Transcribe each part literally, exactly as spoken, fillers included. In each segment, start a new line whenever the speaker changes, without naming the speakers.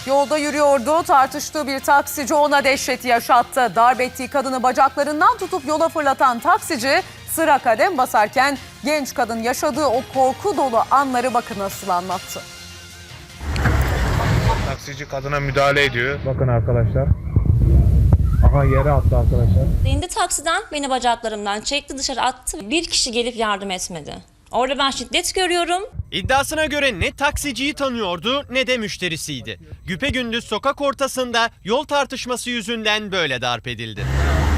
Yolda yürüyordu, tartıştığı bir taksici ona dehşeti yaşattı. Darp ettiği kadını bacaklarından tutup yola fırlatan taksici sıra kadem basarken genç kadın yaşadığı o korku dolu anları bakın nasıl anlattı.
Taksici kadına müdahale ediyor. Bakın arkadaşlar. Aha yere attı arkadaşlar.
İndi taksiden, beni bacaklarımdan çekti, dışarı attı. Bir kişi gelip yardım etmedi. Orada ben şiddet görüyorum.
İddiasına göre ne taksiciyi tanıyordu ne de müşterisiydi. Güpegündüz sokak ortasında yol tartışması yüzünden böyle darp edildi.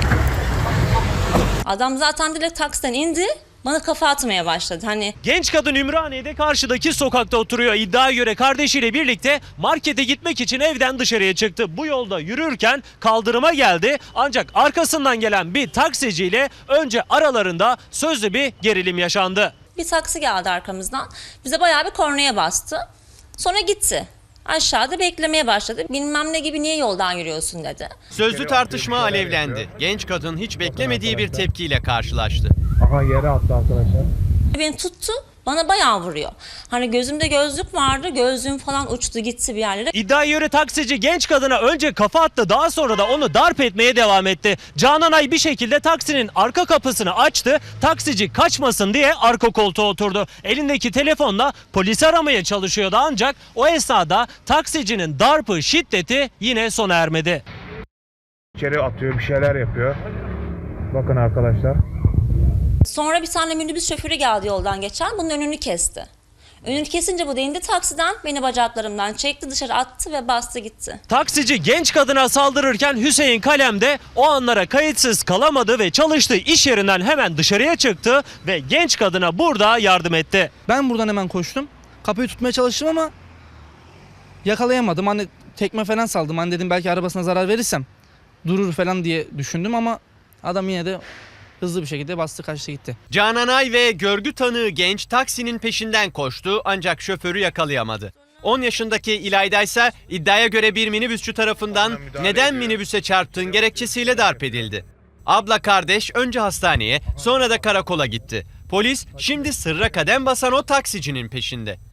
Adam zaten direkt taksiden indi, bana kafa atmaya başladı. Hani
Genç kadın Ümraniye'de karşıdaki sokakta oturuyor. İddiaya göre kardeşiyle birlikte markete gitmek için evden dışarıya çıktı. Bu yolda yürürken kaldırıma geldi. Ancak arkasından gelen bir taksiciyle önce aralarında sözlü bir gerilim yaşandı.
bir taksi geldi arkamızdan, bize bayağı bir kornaya bastı. Sonra gitti. Aşağıda beklemeye başladı. Bilmem ne gibi, niye yoldan yürüyorsun dedi.
Sözlü tartışma alevlendi. Genç kadın hiç beklemediği bir tepkiyle karşılaştı.
Aha yere attı arkadaşlar.
Beni tuttu, bana bayağı vuruyor. Hani gözümde gözlük vardı, gözlüğüm falan uçtu gitti bir yerlere.
İddiaya göre taksici genç kadına önce kafa attı, daha sonra da onu darp etmeye devam etti. Cananay bir şekilde taksinin arka kapısını açtı. Taksici kaçmasın diye arka koltuğa oturdu. Elindeki telefonla polisi aramaya çalışıyordu ancak o esnada taksicinin darpı, şiddeti yine sona ermedi.
İçeri atıyor, bir şeyler yapıyor. Bakın arkadaşlar.
Sonra bir tane minibüs şoförü geldi yoldan geçen, bunun önünü kesti. Önünü kesince bu da indi taksiden, beni bacaklarımdan çekti, dışarı attı ve bastı gitti.
Taksici genç kadına saldırırken Hüseyin Kalem de o anlara kayıtsız kalamadı ve çalıştığı iş yerinden hemen dışarıya çıktı ve genç kadına burada yardım etti.
Ben buradan hemen koştum. Kapıyı tutmaya çalıştım ama yakalayamadım. Hani tekme falan saldım. Hani dedim belki arabasına zarar verirsem durur falan diye düşündüm ama adam yine de hızlı bir şekilde bastı, kaçtı gitti.
Cananay ve görgü tanığı genç taksinin peşinden koştu ancak şoförü yakalayamadı. on yaşındaki İlayda ise iddiaya göre bir minibüsçü tarafından neden minibüse çarptığın gerekçesiyle darp edildi. Abla kardeş önce hastaneye sonra da karakola gitti. Polis şimdi sırra kadem basan o taksicinin peşinde.